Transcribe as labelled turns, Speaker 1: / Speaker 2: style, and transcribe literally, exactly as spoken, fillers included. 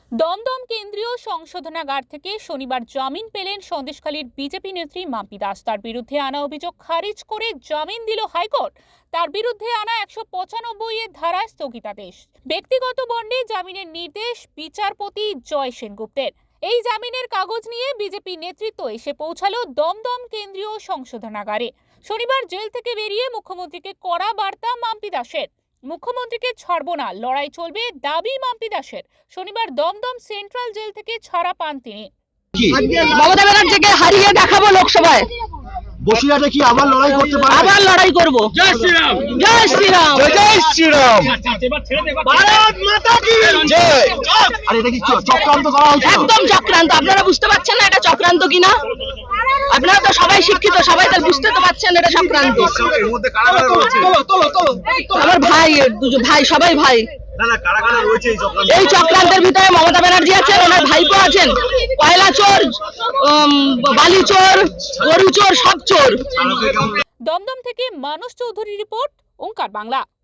Speaker 1: দমদম কেন্দ্রীয় সংশোধনাগার থেকে শনিবার জামিন পেলেন সন্দেশখালীর বিজেপি নেত্রী মাম্পি দাস। তার বিরুদ্ধে আনা অভিযোগ খারিজ করে জামিন দিল হাইকোর্ট। তার বিরুদ্ধে আনা একশো পঁচানব্বই এর ধারায় স্থগিতাদেশ। ব্যক্তিগত বন্ডে জামিনের নির্দেশ বিচারপতি জয় সেনগুপ্তের। এই জামিনের কাগজ নিয়ে বিজেপি নেতৃত্ব এসে পৌঁছালো দমদম কেন্দ্রীয় সংশোধনাগারে। শনিবার জেল থেকে বেরিয়ে মুখ্যমন্ত্রীকে কড়া বার্তা মাম্পি দাসের। মুখ্যমন্ত্রীকে ছাড়বো না, লড়াই চলবে, দাবি মাম্পি দাসের। শনিবার দমদম সেন্ট্রাল জেল থেকে ছাড়া পান তিনি।
Speaker 2: মমতা ব্যানার্জিকে হারিয়ে দেখাবো লোকসভায়।
Speaker 3: বসিরহাটে কি আবার লড়াই করতে পারবে?
Speaker 2: আবার লড়াই করব। জয় শ্রীরাম, জয় শ্রীরাম,
Speaker 3: জয় শ্রীরাম, ভারত মাতা কি জয়। আর এটা কি চক্রান্ত করা হচ্ছে?
Speaker 2: একদম চক্রান্ত। আপনারা বুঝতে পারছেন না এটা চক্রান্ত কিনা? আপনারা তো সবাই শিক্ষিত, সবাই তো বুঝতে তো পারছেন এটা চক্রান্ত।
Speaker 3: এর মধ্যে কারাগারে রয়েছে। তোলো তোলো তোলো।
Speaker 2: আমার ভাই, দুজন ভাই, সবাই ভাই।
Speaker 3: না না, কারাগারে রয়েছে এই চক্রান্ত।
Speaker 2: এই চক্রান্তের ভিতরে মমতা ব্যানার্জি আছেন, ওনার ভাইপো আছেন। কয়লা চোর, বালি চোর, গরু চোর, সব চোর।
Speaker 1: দমদম থেকে মানস চৌধুরী রিপোর্ট, ওঙ্কার বাংলা।